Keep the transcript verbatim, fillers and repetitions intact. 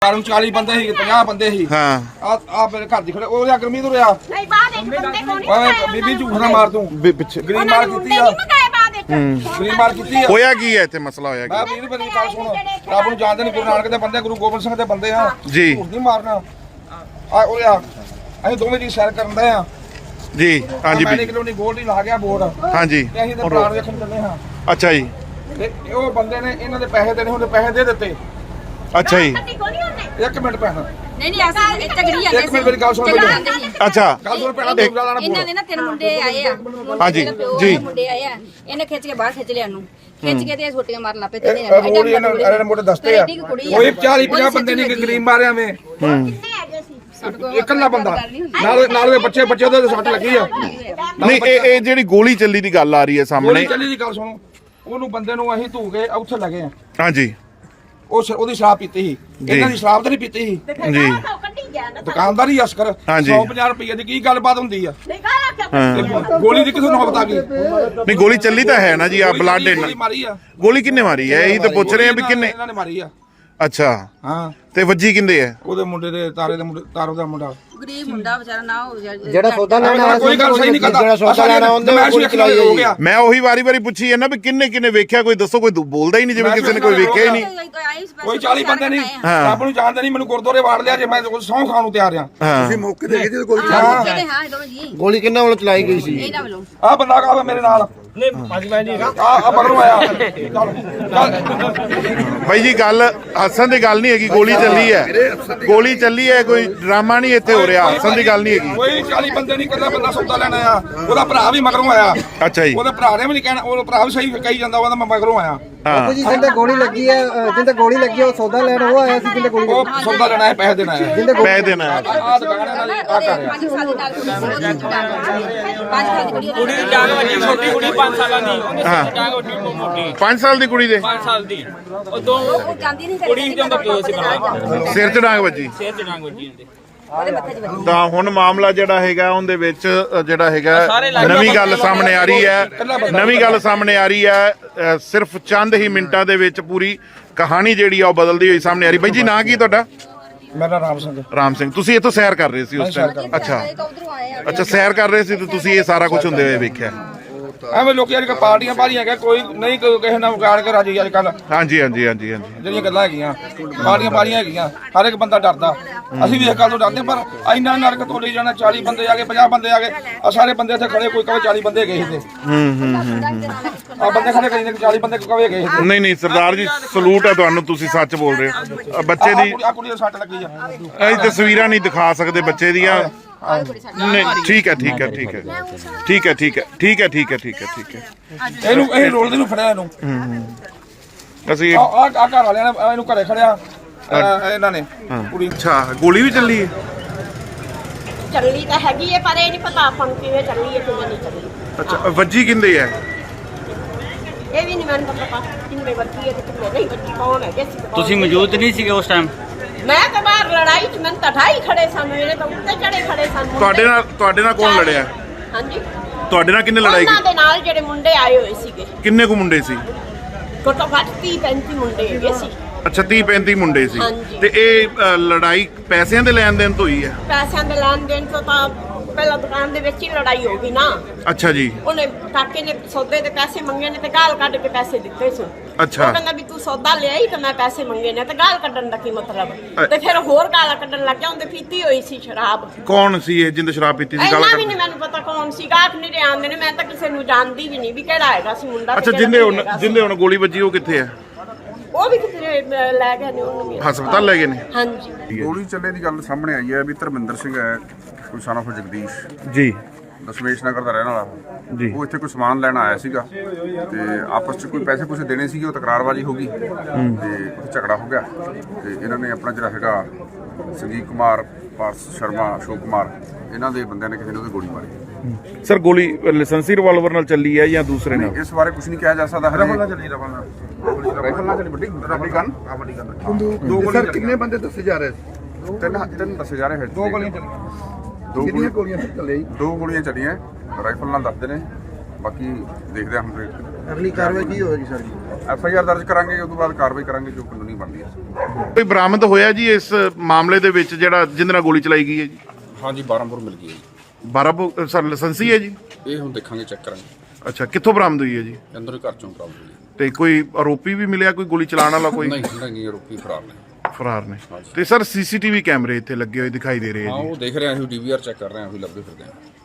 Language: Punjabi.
चालीस बंदे ही पचास बंदे ही हाँ आ मेरे घर दी खड़े ओ या गरमी तो रहा नहीं बाद एक बंदे को नहीं बीबी झूठ ना मार तू ਪਿੱਛੇ गरीब मार कीती है गरीब मार कीती है ਹੋਇਆ ਕੀ ਹੈ ਇੱਥੇ ਮਸਲਾ ਹੋਇਆ मैं ਕੀ ਵੀਰ ਮੇਰੀ ਗੱਲ ਸੁਣ ਰੱਬ ਨੂੰ ਜਾਣਦੇ ਨਹੀਂ ਗੁਰੂ ਨਾਨਕ ਦੇ ਬੰਦੇ ਗੁਰੂ ਗੋਬਿੰਦ ਸਿੰਘ ਦੇ ਬੰਦੇ ਆ ਜੀ ਝੂਠ ਨਹੀਂ ਮਾਰਨਾ ਆ ਉਹ ਆ ਅਸੀਂ ਦੋਵੇਂ ਜੀ ਸੈਰ ਕਰਨ ਦੇ ਆ ਜੀ ਹਾਂਜੀ ਮੈਂ ਵੀ ਕਲੋਨੀ ਗੋਲਡੀ ਲਾ ਗਿਆ ਬੋਰਡ ਹਾਂਜੀ ਤੇ ਅਸੀਂ ਤੇ ਪਲਾਨ ਵੇਖਣ ਚੱਲੇ ਹਾਂ ਅੱਛਾ ਜੀ ਤੇ ਉਹ ਬੰਦੇ ਨੇ ਇਹਨਾਂ ਦੇ ਪੈਸੇ ਦੇਣੇ ਹੁੰਦੇ ਪੈਸੇ ਦੇ ਦਿੱਤੇ ਅੱਛਾ ਜੀ ਇੱਕ ਮਿੰਟ ਪੈਸਾ ਨਹੀਂ ਨਹੀਂ ਅਸੀਂ ਚੱਗੜੀ ਜਾਂਦੇ ਇੱਕ ਮਿੰਟ ਮੇਰੀ ਗੱਲ ਸੁਣ ਪਹਿਲਾਂ ਅੱਛਾ ਗੱਲ ਸੁਣ ਪਹਿਲਾਂ ਦੂਜਾ ਲਾਣਾ ਇਹਨਾਂ ਦੇ ਨਾ ਤਿੰਨ ਮੁੰਡੇ ਆਏ ਆ ਹਾਂਜੀ ਜੀ ਮੁੰਡੇ ਆਏ ਆ ਇਹਨੇ ਖਿੱਚ ਕੇ ਬਾਹਰ ਖਿੱਚ ਲਿਆ ਨੂੰ ਖਿੱਚ ਕੇ ਤੇ ਛੋਟੀਆਂ ਮਾਰਨ ਲੱਪੇ ਤੇ ਮੋੜੀ ਇਹਨਾਂ ਇਹਨਾਂ ਮੋਟੇ ਦਸਤੇ ਆ ਕੋਈ ਚਾਲੀ ਪੰਜਾਹ ਬੰਦੇ ਨਹੀਂ ਗਰੀਬ ਮਾਰਿਆ ਵੇ ਇਕੱਲਾ ਬੰਦਾ ਨਾਲ ਨਾਲ ਦੇ ਬੱਚੇ ਬੱਚੇ ਉਹਦੇ ਸੱਟ ਲੱਗੀ ਆ ਨਹੀਂ ਇਹ ਇਹ ਜਿਹੜੀ ਗੋਲੀ ਚੱਲੀ ਦੀ ਗੱਲ ਆ ਰਹੀ ਹੈ ਸਾਹਮਣੇ ਗੋਲੀ ਚੱਲੀ ਦੀ ਗੱਲ ਸੁਣੋ ਉਹਨੂੰ ਬੰਦੇ ਨੂੰ ਅਸੀਂ ਧੂ ਕੇ ਉੱਥੇ ਲੱਗੇ ਆ ਹਾਂਜੀ ਉਹ ਉਹਦੀ ਸ਼ਰਾਬ ਪੀਤੀ ਸੀ ਇਹਨਾਂ ਦੀ ਸ਼ਰਾਬ ਤਾਂ ਨਹੀਂ ਪੀਤੀ ਸੀ ਜੀ ਦੁਕਾਨਦਾਰ ਹੀ ਅਸਕਰ ਸੌ ਪੰਜਾਹ ਰੁਪਏ ਦੀ ਕੀ ਗੱਲਬਾਤ ਹੁੰਦੀ ਆ ਗੋਲੀ ਦੀ ਕਿਥੋਂ ਨੌਬਤ ਆ ਗਈ ਨਹੀਂ ਗੋਲੀ ਚੱਲੀ ਤਾਂ ਹੈ ਨਾ ਜੀ ਆ ਬਲੱਡ ਗੋਲੀ ਮਾਰੀ ਆ ਗੋਲੀ ਕਿੰਨੇ ਮਾਰੀ ਹੈ ਇਹੀ ਤਾਂ ਪੁੱਛ ਰਹੇ ਆ ਵੀ ਕਿੰਨੇ ਇਹਨਾਂ ਨੇ ਮਾਰੀ ਆ ਅੱਛਾ ਹਾਂ ਤੇ ਵੱਜੀ ਕਿੰਦੇ ਹੈ ਉਹਦੇ ਮੁੰਡੇ ਦੇ ਤਾਰੇ ਦੇ ਮੁੰਡੇ ਤਾਰੋ ਦਾ ਮੁੰਡਾ ਗਰੀਬ ਮੁੰਡਾ ਵਿਚਾਰਾ ਨਾ ਹੋ ਜਿਹੜਾ ਸੌਦਾ ਲੈਣਾ ਆਇਆ ਕੋਈ ਗੱਲ ਸਹੀ ਨਹੀਂ ਕਰਦਾ ਜਿਹੜਾ ਸੌਦਾ ਲੈਣਾ ਆਉਂਦਾ ਉਹ ਕੋਈ ਚਲਾਈ ਹੋ ਗਿਆ ਮੈਂ ਉਹੀ ਵਾਰੀ ਵਾਰੀ ਪੁੱਛੀ ਹੈ ਨਾ ਵੀ ਕਿੰਨੇ ਕਿੰਨੇ ਵੇਖਿਆ ਕੋਈ ਦੱਸੋ ਕੋਈ ਬੋਲਦਾ ਹੀ ਨਹੀਂ ਜਿਵੇਂ ਕਿਸੇ ਨੇ ਕੋਈ ਵੇਖਿਆ ਹੀ ਨਹੀਂ ਕੋਈ ਚਾਲੀ ਬੰਦੇ ਨਹੀਂ ਰੱਬ ਨੂੰ ਜਾਣਦੇ ਨਹੀਂ ਮੈਨੂੰ ਗੁਰਦੁਆਰੇ ਵਾੜ ਲਿਆ ਜੇ ਮੈਂ ਸਹੁੰ ਖਾਣ ਨੂੰ ਤਿਆਰ ਆ ਤੁਸੀਂ ਮੌਕੇ ਤੇ ਗਏ ਗੋਲੀ ਹਾਂ ਦੋਵੇਂ ਜੀ ਗੋਲੀ ਕਿੰਨਾਂ ਵੱਲੋਂ ਚਲਾਈ ਗਈ ਸੀ ਇਹਨਾਂ ਵੱਲੋਂ ਆ ਬੰਦਾ ਕਾਵੇ ਮੇਰੇ ਨਾਲ ਨਹੀਂ ਭਾਜੀ ਮੈਂ ਜੀ ਆ ਆ ਬਗਰੋਂ ਆਇਆ ਚੱਲ ਬਾਈ ਜੀ ਗੱਲ ਹੱਸਣ ਦੀ ਗੱਲ ਨਹੀਂ ਹੈਗੀ ਗੋਲੀ ਚੱਲੀ ਹੈ ਗੋਲੀ ਚੱਲੀ ਹੈ ਕੋਈ ਡਰਾਮਾ ਨਹੀਂ ਇੱਥੇ ਹੋ ਰਿਹਾ ਹੱਸਣ ਦੀ ਗੱਲ ਨਹੀਂ ਹੈਗੀ ਕੋਈ ਚਾਲੀ ਬੰਦੇ ਨਹੀਂ ਕਰਦਾ ਬੰਦਾ ਸੌਦਾ ਲੈਣ ਆਇਆ ਉਹਦਾ ਭਰਾ ਵੀ ਮਗਰੋਂ ਆਇਆ ਅੱਛਾ ਜੀ ਉਹਦੇ ਭਰਾ ਨੇ ਵੀ ਨਹੀਂ ਕਹਿਣਾ ਉਹ ਭਰਾ ਵੀ ਸਹੀ ਕਹੀ ਜਾਂਦਾ ਉਹਦਾ ਮੈਂ ਮਗਰੋਂ ਆਇਆ ਹਾਂ ਜੀ ਜਿੰਦੇ ਗੋਲੀ ਲੱਗੀ ਹੈ ਜਿੰਦੇ ਗੋਲੀ ਲੱਗੀ ਉਹ ਸੌਦਾ ਲੈਣ ਉਹ ਆਇਆ ਸੀ ਜਿੰਦੇ ਗੋਲੀ ਉਹ ਸੌਦਾ ਲੈਣਾ ਹੈ ਪੈਸੇ ਦੇਣਾ ਹੈ ਜਿੰਦੇ ਪੈ ਦੇਣਾ ਹੈ। ਆ ਦੁਕਾਨ ਇਹਨਾਂ ਦੀ ਆ ਕਰ ਰਿਹਾ ਪੰਜ ਸਾਲ ਦੀ ਨਾਲ ਪੰਜ ਸਾਲ ਦੀ ਕੁੜੀ ਕੁੜੀ ਦੀ ਜਾਗ ਵੱਜੀ ਛੋਟੀ ਕੁੜੀ ਪੰਜ ਸਾਲਾਂ ਦੀ ਉਹਦੀ ਜਾਗ ਵੱਜੀ ਮੋਟੀ ਪੰਜ ਸਾਲ ਦੀ ਕੁੜੀ ਦੇ ਪੰਜ ਸਾਲ ਦੀ ਉਹ ਦੋ ਉਹ ਜਾਂਦੀ ਨਹੀਂ ਕੁੜੀ ਦੇ ਅੰਦਰ ਪਿਓ ਸੀ ਬਣਾ ਸਿਰ 'ਚ ਡਾਂਗ ਵੱਜੀ ਸਿਰ ਤੇ ਡਾਂਗ ਵੱਜੀ ਹੁੰਦੀ ਉਹਦੇ ਮੱਥੇ 'ਚ ਵੱਜੀ ਤਾਂ ਹੁਣ ਮਾਮਲਾ ਜਿਹੜਾ ਹੈਗਾ ਉਹਦੇ ਵਿੱਚ ਅ, ਜਿਹੜਾ ਹੈਗਾ ਨਵੀਂ ਗੱਲ ਸਾਹਮਣੇ ਆ ਰਹੀ ਹੈ ਨਵੀਂ ਗੱਲ ਸਾਹਮਣੇ ਆ ਰਹੀ ਹੈ ਅ, ਸਿਰਫ ਚੰਦ ਹੀ ਮਿੰਟਾਂ ਦੇ ਵਿੱਚ ਪੂਰੀ ਕਹਾਣੀ ਜਿਹੜੀ ਆ ਉਹ ਬਦਲਦੀ ਹੋਈ ਸਾਹਮਣੇ ਆ ਰਹੀ। ਬਾਈ ਜੀ ਨਾਂ ਕੀ ਤੁਹਾਡਾ? ਮੇਰਾ ਰਾਮ ਸਿੰਘ ਰਾਮ ਸਿੰਘ। ਤੁਸੀਂ ਇੱਥੋਂ ਸੈਰ ਕਰ ਰਹੇ ਸੀ ਉਸ ਟਾਈਮ? ਅੱਛਾ ਉਧਰੋਂ ਆਏ ਆ ਅੱਛਾ ਸੈਰ ਕਰ ਰਹੇ ਸੀ ਤੇ ਤੁਸੀਂ ਇਹ ਸਾਰਾ ਕੁਝ ਹੁੰਦੇ ਹੋਏ ਵੇਖਿਆ? ਐਵੇਂ ਲੋਕੀ ਅੱਜ ਕੱਲ੍ਹ ਪਾਰਟੀਆਂ ਪਾਰੀਆਂ ਹੈਗਾ ਕੋਈ ਨਹੀਂ ਕੋਈ ਕਿਸੇ ਨਾਲ ਵਿਗਾੜ ਕੇ ਰਾਜੀ ਅੱਜ ਕੱਲ ਹਾਂਜੀ ਹਾਂਜੀ ਹਾਂਜੀ ਹਾਂਜੀ ਜਿਹੜੀਆਂ ਗੱਲਾਂ ਹੈਗੀਆਂ ਪਾਰਟੀਆਂ ਪਾਰੀਆਂ ਹੈਗੀਆਂ ਹਰ ਇੱਕ ਬੰਦਾ ਡਰਦਾ ਅਸੀਂ ਵੀ ਇਸ ਗੱਲ ਤੋਂ ਡਰਦੇ ਪਰ ਇੰਨਾ ਨਰਕ ਤੋਂ ਲਈ ਜਾਣਾ ਚਾਲੀ ਬੰਦੇ ਆ ਗਏ ਪੰਜਾਹ ਬੰਦੇ ਆ ਗਏ ਆ ਸਾਰੇ ਬੰਦੇ ਇੱਥੇ ਖੜੇ ਕੋਈ ਕਵੇ ਚਾਲੀ ਬੰਦੇ ਗਏ ਸੀ ਹੂੰ ਹੂੰ ਹੂੰ ਆ ਬੰਦੇ ਖੜੇ ਕਰੀ ਚਾਲੀ ਬੰਦੇ ਕਵੇ ਗਏ ਸੀ ਨਹੀਂ ਨਹੀਂ ਸਰਦਾਰ ਜੀ ਸਲੂਟ ਹੈ ਤੁਹਾਨੂੰ ਤੁਸੀਂ ਸੱਚ ਬੋਲ ਰਹੇ ਹੋ। ਅ, ਬੱਚੇ ਦੀ ਆ ਕੁੜੀ ਦੇ ਸੱਟ ਲੱਗੀ ਆ ਇਹ ਤਸਵੀਰਾਂ ਨਹੀਂ ਦਿਖਾ ਸਕਦੇ ਬੱਚੇ ਦੀਆਂ। ਨਹੀਂ ਠੀਕ ਹੈ ਠੀਕ ਹੈ ਠੀਕ ਹੈ ਠੀਕ ਹੈ ਠੀਕ ਹੈ ਠੀਕ ਹੈ ਠੀਕ ਹੈ ਠੀਕ ਹੈ ਠੀਕ ਹੈ ਇਹਨੂੰ ਇਹ ਰੋਲਦੇ ਨੂੰ ਫੜਿਆ ਇਹਨੂੰ ਅਸੀਂ ਆ ਆ ਘਰ ਵਾਲਿਆਂ ਨੇ ਇਹਨੂੰ ਘਰੇ ਖੜਿਆ ਇਹਨਾਂ ਨੇ ਕੁੜੀ ਅੱਛਾ ਗੋਲੀ ਵੀ ਚੱਲੀ ਹੈ? ਚੱਲੀ ਤਾਂ ਹੈਗੀ ਹੈ ਪਰ ਇਹ ਨਹੀਂ ਪਤਾ ਆਪਾਂ ਨੂੰ ਕਿਵੇਂ ਚੱਲੀ ਹੈ ਕਿਵੇਂ ਨਹੀਂ ਚੱਲੀ ਅੱਛਾ ਵੱਜੀ ਕਿੰਦੇ ਹੈ? ਇਹ ਵੀ ਨਹੀਂ ਮੈਨੂੰ ਤਾਂ ਪਤਾ ਕਿੰਨੇ ਬੱਚੀ ਹੈ ਤੇ ਕਿੰਨੇ ਨਹੀਂ ਬੱਚੀ ਕੌਣ ਹੈ ਕਿਸ ਤੁਸੀਂ ਮੌਜੂਦ ਨਹੀਂ ਸੀਗੇ ਉਸ ਟਾਈਮ? ਮੈਂ ਤਾਂ ਬਾਹਰ ਲੜਾਈ ਚ ਮੈਂ ਤਾਂ ਢਾਈ ਖੜੇ ਸਨ ਮੇਰੇ ਤਾਂ ਉੱਤੇ ਚੜੇ ਖੜੇ ਸਨ ਮੁੰਡੇ। ਤੁਹਾਡੇ ਨਾਲ ਤੁਹਾਡੇ ਨਾਲ ਕੌਣ ਲੜਿਆ? ਹਾਂਜੀ ਤੁਹਾਡੇ ਨਾਲ ਕਿੰਨੇ ਲੜਾਈ ਉਹਨਾਂ ਕੀਤੀ? ਦੇ ਨਾਲ ਜਿਹੜੇ ਮੁੰਡੇ ਆਏ ਹੋਏ ਸੀਗੇ ਕਿੰਨੇ ਕੁ ਮੁੰਡੇ ਸੀ? ਘੱਟੋ ਘੱਟ ਤੀਹ ਪੈਂਤੀ ਮੁੰਡੇ ਹੈਗੇ ਸੀ ਅੱਛਾ ਤੀਹ ਪੈਂਤੀ ਮੁੰਡੇ ਸੀ ਹਾਂਜੀ। ਤੇ ਇਹ ਅ, ਲੜਾਈ ਪੈਸਿਆਂ ਦੇ ਲੈਣ ਦੇਣ ਤੋਂ ਹੋਈ ਹੈ? ਪੈਸਿਆਂ ਦੇ ਲੈਣ ਦੇਣ ਤੋਂ ਤਾਂ ਪਹਿਲਾਂ ਦੁਕਾਨ ਦੇ ਵਿੱਚ ਹੀ ਲੜਾਈ ਹੋ ਗਈ ਨਾ। ਅੱਛਾ ਜੀ ਉਹਨੇ ਕਾਕੇ ਨੇ ਸੌਦੇ ਦੇ ਪੈਸੇ ਮੰਗੇ ਨੇ ਤੇ ਗਾਲ ਕੱਢ ਕੇ ਪੈਸੇ ਦਿੱਤੇ ਸੀ। ਅੱਛਾ। ਉਹ ਕਹਿੰਦਾ ਵੀ ਤੂੰ ਸੌਦਾ ਲਿਆਈ ਤੇ ਮੈਂ ਪੈਸੇ ਮੰਗੇ ਨੇ ਤੇ ਗਾਲ ਕੱਢਣ ਦਾ ਕੀ ਮਤਲਬ? ਤੇ ਫਿਰ ਹੋਰ ਗਾਲਾਂ ਕੱਢਣ ਲੱਗ ਗਿਆ। ਉਹਦੇ ਪੀਤੀ ਹੋਈ ਸੀ ਸ਼ਰਾਬ। ਕੌਣ ਸੀ ਇਹ ਜਿੰਦ ਸ਼ਰਾਬ ਪੀਤੀ ਸੀ? ਗੱਲ ਇੰਨਾ ਵੀ ਕਰ ਨਹੀਂ ਮੈਨੂੰ ਪਤਾ ਕੌਣ ਸੀ। ਗਾਹਕ ਨਹੀਂ ਰਹੇ ਆਉਂਦੇ ਨੇ ਮੈਂ ਤਾਂ ਕਿਸੇ ਨੂੰ ਜਾਣਦੀ ਵੀ ਨਹੀਂ ਵੀ ਕਿਹੜਾ ਹੈਗਾ ਸੀ ਮੁੰਡਾ। ਅੱਛਾ ਜਿੰਦੇ ਹੁਣ ਜਿੰਦੇ ਹੁਣ ਗੋਲੀ ਵੱਜੀ ਉਹ ਕਿੱਥੇ ਹੈ? ਉਹ ਵੀ ਕਿਤੇ ਲੈ ਗਏ ਨੇ ਉਹਨੂੰ ਵੀ। ਹਸਪਤਾਲ ਲੈ ਗਏ ਨੇ? ਹਾਂਜੀ ਗੋਲੀ ਚੱਲੇ ਦੀ ਗੱਲ ਸਾਹਮਣੇ ਆਈ ਹੈ ਵੀ ਧਰਮਿੰਦਰ ਸਿੰਘ ਹੈ ਕੋਈ son of ਜਗਦੀਸ਼ ਜੀ ਦਸ਼ਮੇਸ਼ ਨਗਰ ਦਾ ਰਹਿਣ ਵਾਲਾ ਜੀ। ਉਹ ਇੱਥੇ ਕੋਈ ਸਮਾਨ ਲੈਣ ਆਇਆ ਸੀਗਾ ਤੇ ਆਪਸ 'ਚ ਕੋਈ ਪੈਸੇ ਕੁਛ ਦੇਣੇ ਸੀਗੇ ਉਹ ਤਕਰਾਰਬਾਜ਼ੀ ਹੋ ਗਈ ਤੇ ਉੱਥੇ ਝਗੜਾ ਹੋ ਗਿਆ ਤੇ ਇਹਨਾਂ ਨੇ ਆਪਣਾ ਜਿਹੜਾ ਹੈਗਾ ਸੰਜੀਵ ਕੁਮਾਰ ਪਾਰਸ ਸ਼ਰਮਾ ਅਸ਼ੋਕ ਕੁਮਾਰ ਇਹਨਾਂ ਦੇ ਬੰਦਿਆਂ ਨੇ ਕਿਸੇ ਨੇ ਉਹਦੇ ਗੋਲੀ ਮਾਰੀ। ਸਰ ਗੋਲੀ ਲਾਇਸੈਂਸੀ ਰਿਵਾਲਵਰ ਨਾਲ ਚੱਲੀ ਹੈ ਜਾਂ ਦੂਸਰੇ ਨਾਲ? ਇਸ ਬਾਰੇ ਕੁਝ ਨਹੀਂ ਕਿਹਾ ਜਾ ਸਕਦਾ ਰਫਲ ਨਾਲ ਚੱਲੀ ਰਫਲ ਨਾਲ ਰਾਈਫਲ ਨਾਲ ਚੱਲੀ ਵੱਡੀ ਵੱਡੀ ਗਨ ਆ ਵੱਡੀ ਗੱਲ ਦੋ ਗੋਲੀਆਂ ਕਿੰਨੇ ਬੰਦੇ ਦੱਸੇ ਜਾ ਰਹੇ ਸੀ? ਤਿੰਨ ਤਿੰਨ ਦੱਸੇ ਜਾ ਰਹੇ ਹੈ ਦੋ ਗੋਲੀਆਂ ਚੱਲੀਆਂ ਦੋ ਕਿੰਨੀਆਂ ਗੋਲੀਆਂ ਗੋਲੀਆਂ ਚੱਲੇ ਜੀ? ਦੋ ਗੋਲੀਆਂ ਚੱਲੀਆਂ ਰਾਈਫਲ ਨਾਲ ਦੱਸਦੇ ਨੇ ਬਾਕੀ ਦੇਖਦੇ ਹਾਂ ਹੁਣ ਅਗਲੀ ਕਾਰਵਾਈ ਕੀ ਹੋਏਗੀ ਸਰ ਜੀ? ਐਫ ਆਈ ਆਰ ਦਰਜ ਕਰਾਂਗੇ, ਉਸ ਤੋਂ ਬਾਅਦ ਕਾਰਵਾਈ ਕਰਾਂਗੇ ਜੋ ਕਾਨੂੰਨੀ ਬਣਦੀ ਹੈ। ਕੋਈ ਬਰਾਮਦ ਹੋਇਆ ਜੀ ਇਸ ਮਾਮਲੇ ਦੇ ਵਿੱਚ ਜਿਹੜਾ ਜਿਹਦੇ ਨਾਲ ਗੋਲੀ ਚਲਾਈ ਗਈ ਹੈ ਜੀ? ਹਾਂਜੀ ਬਾਰਾਂ ਬੋਰ ਮਿਲ ਗਈ ਹੈ ਜੀ। ਬਾਰਾਂ ਬੋ ਸਰ ਲਾਇਸੈਂਸੀ ਹੈ ਜੀ? ਇਹ ਹੁਣ ਦੇਖਾਂਗੇ, ਚੈੱਕ ਕਰਾਂਗੇ। ਅੱਛਾ, ਕਿੱਥੋਂ ਬਰਾਮਦ ਹੋਈ ਹੈ ਜੀ? ਅੰਦਰੋਂ ਘਰ ਚੋਂ ਪ੍ਰਾਪਤ ਹੋਈ। ਤੇ ਕੋਈ ਆਰੋਪੀ ਵੀ ਮਿਲਿਆ, ਕੋਈ ਗੋਲੀ ਚਲਾਉਣ ਵਾਲਾ ਕੋਈ? ਨਹੀਂ ਨਹੀਂ, ਆਰੋਪੀ ਫਰਾਰ ਨੇ। ਫਰਾਰ ਨੇ। ਤੇ ਸਰ ਸੀਸੀਟੀਵੀ ਕੈਮਰੇ ਇੱਥੇ ਲੱਗੇ ਹੋਏ ਦਿਖਾਈ ਦੇ ਰਹੇ ਹਾਂ, ਆ ਜੀ। ਉਹ ਦੇਖ ਰਹੇ ਹਾਂ, ਅਸੀਂ ਡੀ ਵੀ ਆਰ ਚੈੱਕ ਕਰ ਰਹੇ ਹਾਂ, ਅਸੀਂ ਲੱਭੇ ਫਿਰਦੇ ਹਾਂ।